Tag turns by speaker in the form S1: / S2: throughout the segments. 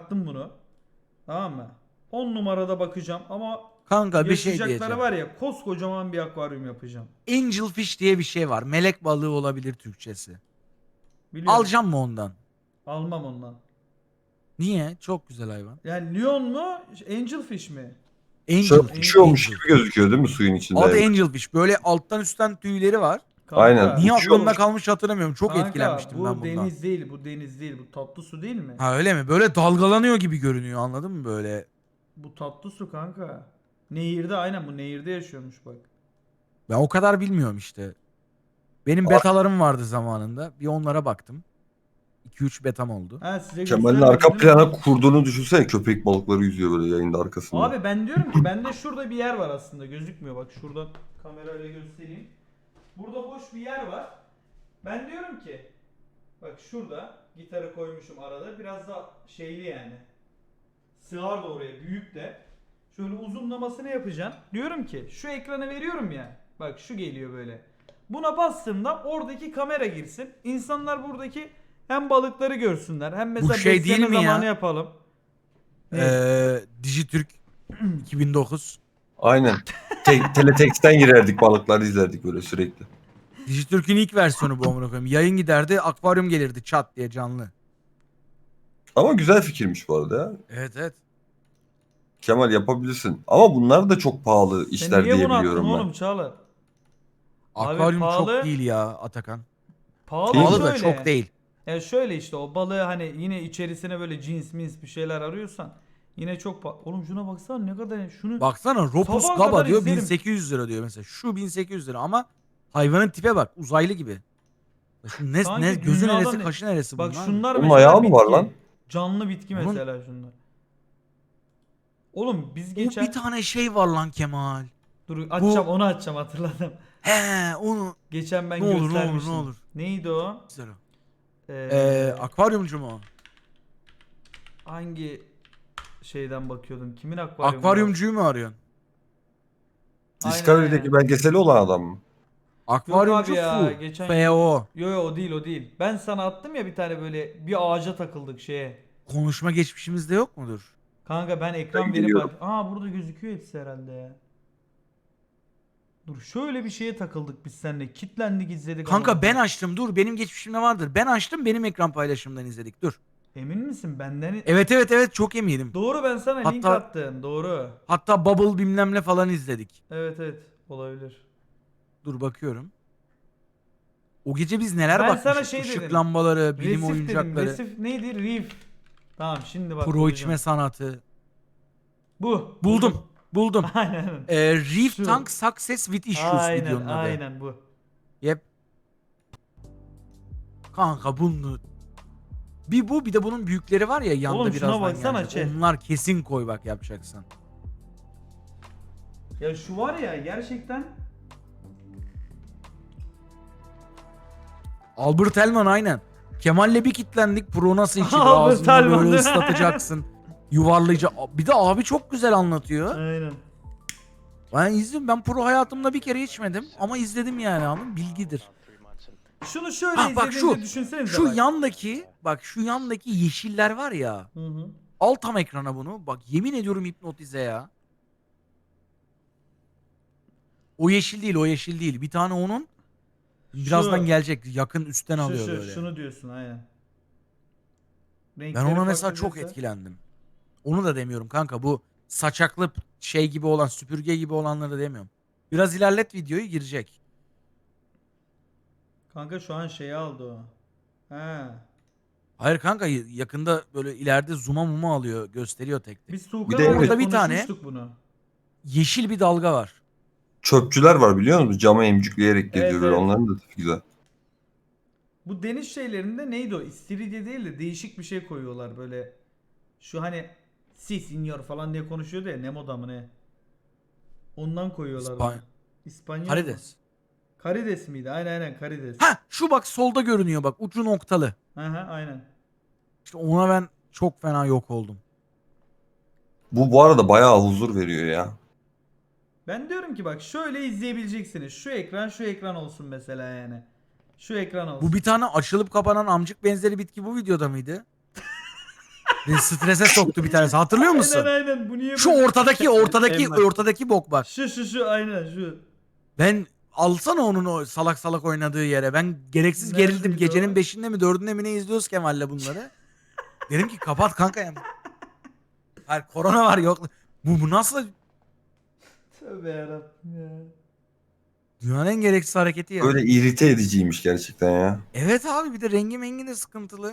S1: baktım bunu. Tamam mı? 10 numarada bakacağım ama
S2: Kanka bir şey
S1: yaşayacakları
S2: diyeceğim.
S1: var ya, koskocaman bir akvaryum yapacağım.
S2: Angelfish diye bir şey var. Melek balığı olabilir Türkçesi.
S1: Biliyorum.
S2: Alacağım mı ondan?
S1: Almam ondan.
S2: Niye? Çok güzel hayvan.
S1: Yani Leon mu? Angelfish mi?
S2: Angel.
S3: Şöyle uçuyormuş
S2: Angel.
S3: gibi gözüküyor değil mi suyun
S2: Adı
S3: içinde?
S2: Angelfish. Böyle alttan üstten tüyleri var.
S3: Aynen
S1: Kanka.
S2: Niye aklımda
S3: uçuyormuş.
S2: kalmış hatırlamıyorum. Çok
S1: Kanka
S2: etkilenmiştim ben
S1: bu
S2: bundan.
S1: deniz değil. Bu deniz değil. Bu tatlı su değil mi?
S2: Ha öyle mi? Böyle dalgalanıyor gibi görünüyor, anladın mı böyle?
S1: Bu tatlı su kanka. Nehirde, aynen bu nehirde yaşıyormuş bak.
S2: Ben o kadar bilmiyorum işte. Benim betalarım vardı zamanında. Bir onlara baktım. 2-3 betam oldu.
S1: Ha, size
S3: Kemal'in arka
S1: göstermedim değil mi?
S3: plana kurduğunu düşünsene, köpek balıkları yüzüyor böyle yayında arkasında.
S1: Abi ben diyorum ki bende şurada bir yer var aslında, gözükmüyor, bak şuradan kamerayla göstereyim. Burada boş bir yer var. Ben diyorum ki bak şurada gitarı koymuşum arada, biraz da şeyli yani. Sığar da oraya, büyük de. Şöyle uzunlamasını yapacaksın. Diyorum ki şu ekranı veriyorum ya. Bak şu geliyor böyle. Buna bastığımda oradaki kamera girsin. İnsanlar buradaki hem balıkları görsünler hem mesela
S2: şey değil
S1: besleme
S2: mi ya?
S1: zamanı yapalım. Ne?
S2: Dijitürk 2009.
S3: Aynen. Teletext'ten girerdik, balıkları izlerdik böyle sürekli.
S2: Dijitürk'ün ilk versiyonu bu, amına koyayım. Yayın giderdi, akvaryum gelirdi çat diye canlı.
S3: Ama güzel fikirmiş bu arada ya.
S2: Evet evet.
S3: Kemal yapabilirsin. Ama bunlar da çok pahalı
S1: Sen
S3: işler
S1: niye
S3: diye
S1: bunu attın
S3: biliyorum ben.
S1: oğlum Çağlar?
S2: Akvaryum
S1: pahalı.
S2: çok değil ya Atakan.
S1: Pahalı
S3: Değil mi?
S2: Pahalı da
S1: şöyle.
S2: çok değil.
S1: Ya şöyle işte, o balığı hani yine içerisine böyle cins mins bir şeyler arıyorsan yine çok Oğlum şuna baksana ne kadar, şunu
S2: Baksana Ropus
S1: sabaha
S2: Gaba
S1: kadar
S2: diyor
S1: izlerim.
S2: 1800 lira diyor mesela. Şu 1800 lira ama hayvanın tipe bak, uzaylı gibi. Şu ne
S1: sanki
S2: gözü
S1: dünyadan
S2: neresi, kaşı neresi
S1: bak
S2: bunlar?
S1: şunlar
S3: Bunun
S1: mesela
S3: ayağı mı var
S1: bitki.
S3: lan?
S1: Canlı bitki
S2: Bunun-
S1: mesela şunlar. Oğlum biz
S2: O
S1: geçen
S2: bir tane şey var lan Kemal.
S1: dur açacağım, onu açacağım, hatırladım.
S2: He onu
S1: Geçen ben
S2: ne olur ne olur
S1: göstermiştim.
S2: ne olur.
S1: Neydi o?
S2: Güzel o.
S1: Ee,
S2: Akvaryumcu mu o?
S1: hangi şeyden bakıyordum? Kimin akvaryumu var?
S2: Akvaryumcuyu mu arıyorsun?
S1: Aynen,
S3: Discovery'deki
S1: aynen.
S3: belgeseli olan adam mı?
S1: Yok abi
S2: Akvaryumcu
S1: ya,
S2: Fu.
S1: geçen
S2: F.O.
S1: Yo o değil, o değil. Ben sana attım ya bir tane, böyle bir ağaca takıldık şeye.
S2: Konuşma geçmişimizde yok mudur?
S1: Kanka ben ekran
S3: Ben
S1: verip
S3: geliyorum.
S1: Aa, burada gözüküyor hepsi herhalde ya. Dur, şöyle bir şeye takıldık biz seninle. Kitlendik, izledik
S2: Kanka
S1: amına
S2: ben
S1: koyayım.
S2: açtım, dur benim geçmişimde vardır. Ben açtım, benim ekran paylaşımından izledik, dur.
S1: Emin misin benden?
S2: Evet evet evet, çok eminim.
S1: Doğru, ben sana link
S2: Hatta
S1: attım. Doğru.
S2: hatta Bubble bilmem ne falan izledik.
S1: Evet evet, olabilir.
S2: Dur bakıyorum. O gece biz neler
S1: Ben
S2: bakmışız.
S1: sana şey
S2: Işık
S1: dedim.
S2: lambaları, bilim
S1: Resif dedim.
S2: oyuncakları,
S1: Resif neydi? Reef. Tamam, şimdi bak
S2: pro
S1: bulacağım.
S2: içme sanatı.
S1: Bu.
S2: Buldum. Buldum.
S1: Aynen.
S2: Reef
S1: Şu.
S2: Tank Success with Issues
S1: Aynen
S2: videonun adı.
S1: aynen bu.
S2: Yep. Kanka bunu bir bu, bir de bunun büyükleri var ya yanda
S1: Oğlum şuna
S2: birazdan
S1: baksana
S2: gelecek.
S1: chat.
S2: Onlar kesin koy bak yapacaksan.
S1: Ya şu var ya gerçekten.
S2: Albert Elman aynen. Kemal'le bir kitlendik. Pro nasıl içilir?
S1: Albert
S2: Ağzında
S1: Elman
S2: böyle
S1: değil mi?
S2: ıslatacaksın. Yuvarlayacak. Bir de abi çok güzel anlatıyor.
S1: Aynen.
S2: Ben izledim. Ben pro hayatımda bir kere içmedim. Ama izledim yani, anladın mı? Bilgidir.
S1: Şunu şöyle
S2: Ha bak
S1: izlediğinizde
S2: şu.
S1: düşünsenize
S2: Şu
S1: bak.
S2: yandaki. Bak şu yandaki yeşiller var ya.
S1: Hı hı.
S2: Al tam ekrana bunu. Bak yemin ediyorum hipnotize ya. O yeşil değil, o yeşil değil. Bir tane onun. Birazdan gelecek. Yakın üstten alıyor böyle.
S1: Şunu diyorsun aynen.
S2: Ben
S1: Renkleri
S2: ona mesela
S1: farklı
S2: çok
S1: diyorsa-
S2: etkilendim. Onu da demiyorum kanka. Bu saçaklı şey gibi olan, süpürge gibi olanları demiyorum. Biraz ilerlet videoyu, girecek.
S1: Kanka şu an şeyi aldı o. He.
S2: Hayır kanka, yakında böyle ileride zoom'a muma alıyor. Gösteriyor tek tek.
S1: Biz
S3: Bir
S1: Tuğkan
S3: de
S1: abiyle
S2: orada bir tane-
S1: konuşmuştuk bunu.
S2: Yeşil bir dalga var.
S3: Çöpçüler var biliyor musun? Cama emcikleyerek geziyor
S1: Evet,
S3: böyle.
S1: evet.
S3: Onların da tipi güzel.
S1: Bu deniz şeylerinde neydi o? İstiridye değil de değişik bir şey koyuyorlar böyle. Şu hani si senyor falan diye konuşuyordu ya, Nemo'da mı ne? Ondan koyuyorlar
S2: İspan-
S1: onu. İspanyol mu?
S2: Karides.
S1: Karides miydi? Aynen aynen, karides.
S2: Ha şu bak solda görünüyor bak, ucu noktalı.
S1: Aha, aynen.
S2: İşte ona ben çok fena yok oldum.
S3: Bu arada bayağı huzur veriyor ya.
S1: Ben diyorum ki bak şöyle izleyebileceksiniz. Şu ekran, şu ekran olsun mesela yani. Şu ekran olsun.
S2: Bu bir tane açılıp kapanan amcık benzeri bitki bu videoda mıydı? Beni strese soktu bir tanesi. Hatırlıyor musun?
S1: Aynen bu niye
S2: Şu
S1: böyle?
S2: ortadaki bok bak.
S1: Şu aynen şu.
S2: Ben alsana onun o salak salak oynadığı yere. Ben gereksiz gerildim.
S1: Neredeydi
S2: Gecenin
S1: o?
S2: 5'inde mi 4'ünde mi ne izliyoruz Kemal'le bunları. Dedim ki kapat kanka ya. Hayır korona var yok. Bu nasıl
S1: Tövbe yarabbim ya.
S2: dünyanın en gereksiz hareketi ya.
S3: Böyle irite ediciymiş gerçekten ya.
S2: Evet abi bir de rengi mengi de sıkıntılı.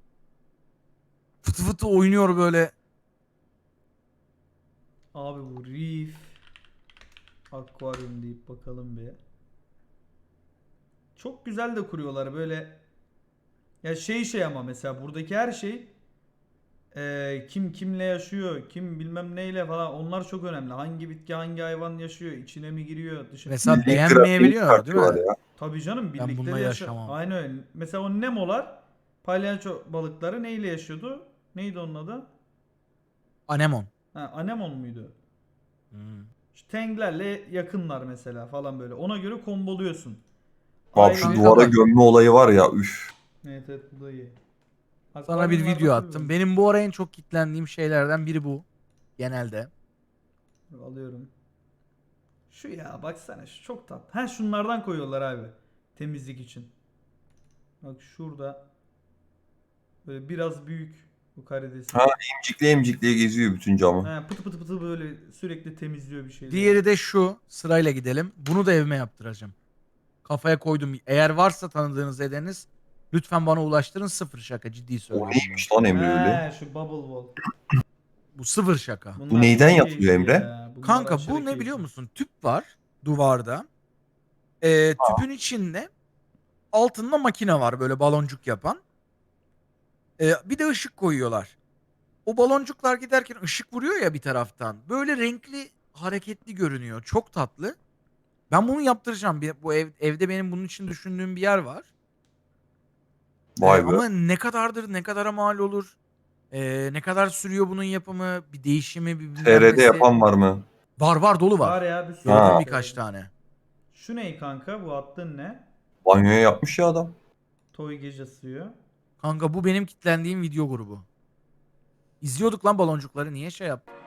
S2: Fıtı fıtı oynuyor böyle.
S1: Abi bu Reef Aquarium deyip bakalım bir. Çok güzel de kuruyorlar böyle. Ya şey ama mesela buradaki her şey kim kimle yaşıyor, kim bilmem neyle falan onlar çok önemli. Hangi bitki hangi hayvan yaşıyor, içine mi giriyor, dışına.
S2: Mesela
S3: Bildiğin
S2: beğenmeyebiliyor
S3: grafiğini
S2: değil mi?
S3: çıkartıyorlar ya.
S1: Tabii canım
S2: Ben bununla
S1: birlikte
S2: yaşamam.
S1: Aynen öyle. Mesela o Nemo'lar palyaço balıkları neyle yaşıyordu? Neydi onun adı?
S2: Anemon.
S1: Ha, anemon muydu?
S2: Hmm.
S1: İşte Tenglerle yakınlar mesela falan böyle. Ona göre komboluyorsun.
S3: Abi şu
S2: Kanka
S3: duvara
S2: bak.
S3: gömme olayı var ya üf.
S1: Evet evet bu da iyi.
S2: Sana bir
S1: Akvaryumlarda
S2: video
S1: tabii
S2: attım.
S1: böyle.
S2: Benim bu ara en çok kitlendiğim şeylerden biri bu. Genelde.
S1: Alıyorum. Şu ya baksana şu çok tatlı. Ha şunlardan koyuyorlar abi. Temizlik için. Bak şurada. Böyle biraz büyük bu karidesi.
S3: Ha. Emcikliye geziyor bütün camı.
S1: Ha, pıtı pıtı pıtı böyle sürekli temizliyor bir şeyleri.
S2: Diğeri de şu. Sırayla gidelim. Bunu da evime yaptıracağım. Kafaya koydum. Eğer varsa tanıdığınız edeniz lütfen bana ulaştırın. Sıfır şaka. Ciddi
S3: O
S2: söylüyorum.
S3: neymiş lan Emre öyle?
S1: He şu bubble wall.
S2: Bu sıfır şaka.
S1: Bunlar
S3: Bu neyden
S1: çok
S3: yapılıyor
S1: keyifli
S3: Emre?
S1: ya. Bunlar
S2: Kanka
S1: aşırı
S2: bu ne
S1: keyifli.
S2: biliyor musun? Tüp var duvarda. Tüpün içinde altında makine var böyle baloncuk yapan. Bir de ışık koyuyorlar. O baloncuklar giderken ışık vuruyor ya bir taraftan. Böyle renkli, hareketli görünüyor. Çok tatlı. Ben bunu yaptıracağım. Bu evde benim bunun için düşündüğüm bir yer var.
S3: Vay be.
S2: Ama ne kadardır, ne kadara mal olur? Ne kadar sürüyor bunun yapımı? Bir değişimi, bir bilmem
S3: TR'de
S2: nesi.
S3: yapan var mı?
S2: Var dolu var.
S1: Var ya bir sürü.
S2: Gördüm
S3: Ha.
S2: birkaç tane.
S1: Şu ne kanka? Bu attığın ne?
S3: Banyoya yapmış ya adam.
S1: Toy gece suyu.
S2: Kanka bu benim kitlendiğim video grubu. İzliyorduk lan baloncukları. Niye şey yaptık?